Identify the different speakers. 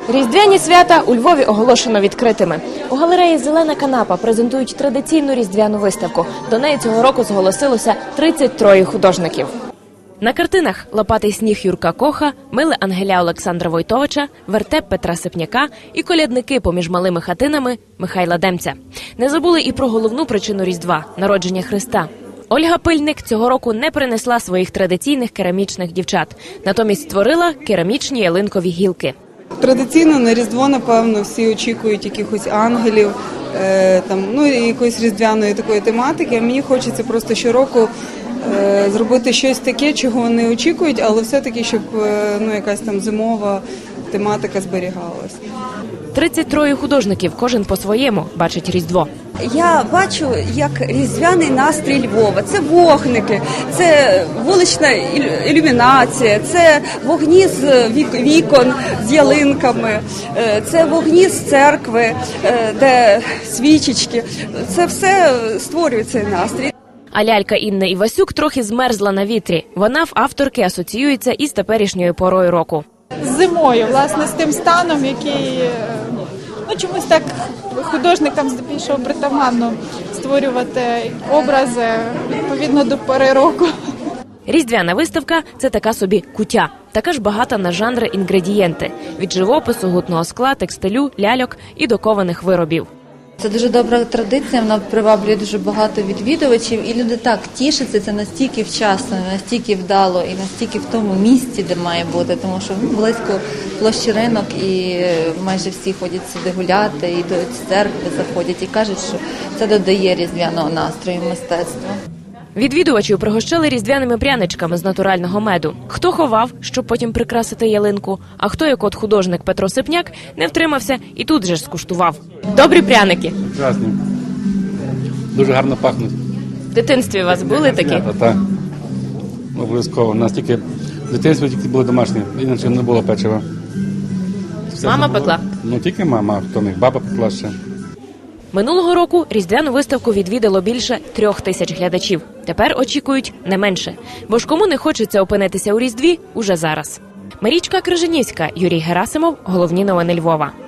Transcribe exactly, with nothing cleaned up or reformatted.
Speaker 1: Різдвяні свята у Львові оголошено відкритими. У галереї «Зелена канапа» презентують традиційну різдвяну виставку. До неї цього року зголосилося тридцять троє художників. На картинах «Лопатий сніг» Юрка Коха, «Миле Ангеля» Олександра Войтовича, «Вертеп» Петра Сипняка і «Колядники поміж малими хатинами» Михайла Демця. Не забули і про головну причину Різдва – народження Христа. Ольга Пильник цього року не принесла своїх традиційних керамічних дівчат. Натомість створила керамічні ялинкові гілки.
Speaker 2: Традиційно на Різдво, напевно, всі очікують якихось ангелів, е, там, ну, якоїсь різдвяної такої тематики. А мені хочеться просто щороку е, зробити щось таке, чого вони очікують, але все-таки, щоб е, ну, якась там зимова тематика зберігалась.
Speaker 1: тридцять троє художників, кожен по-своєму бачить Різдво.
Speaker 3: Я бачу, як різдвяний настрій Львова. Це вогники, це вулична ілюмінація, це вогні з вікон, з ялинками, це вогні з церкви, де свічечки. Це все створює цей настрій.
Speaker 1: А лялька Інни Івасюк трохи змерзла на вітрі. Вона в авторки асоціюється із теперішньою порою року.
Speaker 4: З зимою, власне, з тим станом, який, ну, чомусь так художникам здебільшого притаманно створювати образи відповідно до пори року.
Speaker 1: Різдвяна виставка – це така собі куття. Така ж багата на жанри інгредієнти – від живопису, гутного скла, текстилю, ляльок і до кованих виробів.
Speaker 5: Це дуже добра традиція, вона приваблює дуже багато відвідувачів, і люди так тішаться, це настільки вчасно, настільки вдало і настільки в тому місці, де має бути, тому що близько площі ринок і майже всі ходять сюди гуляти, і до церкви заходять і кажуть, що це додає різдвяного настрою мистецтва.
Speaker 1: Відвідувачів пригощали різдвяними пряничками з натурального меду. Хто ховав, щоб потім прикрасити ялинку, а хто, як от художник Петро Сипняк, не втримався і тут же ж скуштував. Добрі пряники.
Speaker 6: Прекрасні. Дуже гарно пахнуть.
Speaker 1: В дитинстві у вас були такі?
Speaker 6: Так, так. Обов'язково. У нас тільки в дитинстві тільки були домашні, інакше не було печива. Все
Speaker 1: Мама
Speaker 6: було.
Speaker 1: пекла?
Speaker 6: Ну, тільки мама, хто не баба пекла ще.
Speaker 1: Минулого року різдвяну виставку відвідало більше трьох тисяч глядачів. Тепер очікують не менше. Бо ж кому не хочеться опинитися у Різдві уже зараз. Марічка Крижанівська, Юрій Герасимов. Головні новини Львова.